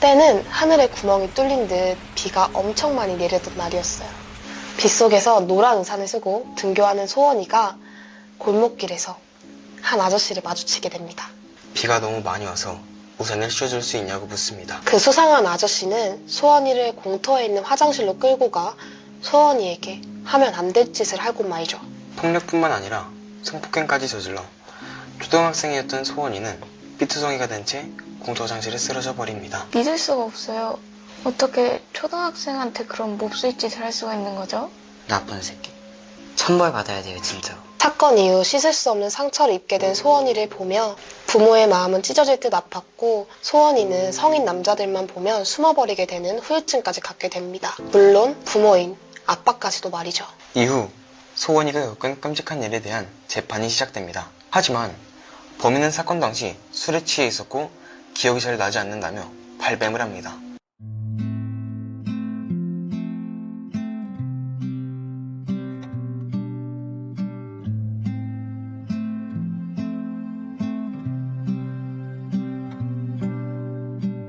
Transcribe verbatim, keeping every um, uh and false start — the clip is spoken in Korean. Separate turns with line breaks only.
그때는 하늘에 구멍이 뚫린 듯 비가 엄청 많이 내리던 날이었어요. 빗속에서 노란 우산을 쓰고 등교하는 소원이가 골목길에서 한 아저씨를 마주치게 됩니다.
비가 너무 많이 와서 우산을 씌워줄 수 있냐고 묻습니다.
그 수상한 아저씨는 소원이를 공터에 있는 화장실로 끌고 가 소원이에게 하면 안 될 짓을 하고 말이죠.
폭력뿐만 아니라 성폭행까지 저질러 초등학생이었던 소원이는 삐투성이가 된 채 공터 화장실에 쓰러져 버립니다.
믿을 수가 없어요. 어떻게 초등학생한테 그런 몹쓸 짓을 할 수가 있는 거죠?
나쁜 새끼. 천벌 받아야 돼요, 진짜로.
사건 이후 씻을 수 없는 상처를 입게 된 소원이를 보며 부모의 마음은 찢어질 듯 아팠고 소원이는 성인 남자들만 보면 숨어버리게 되는 후유증까지 갖게 됩니다. 물론 부모인 아빠까지도 말이죠.
이후 소원이가 겪은 끔찍한 일에 대한 재판이 시작됩니다. 하지만 범인은 사건 당시 술에 취해 있었고 기억이 잘 나지 않는다며 발뺌을 합니다.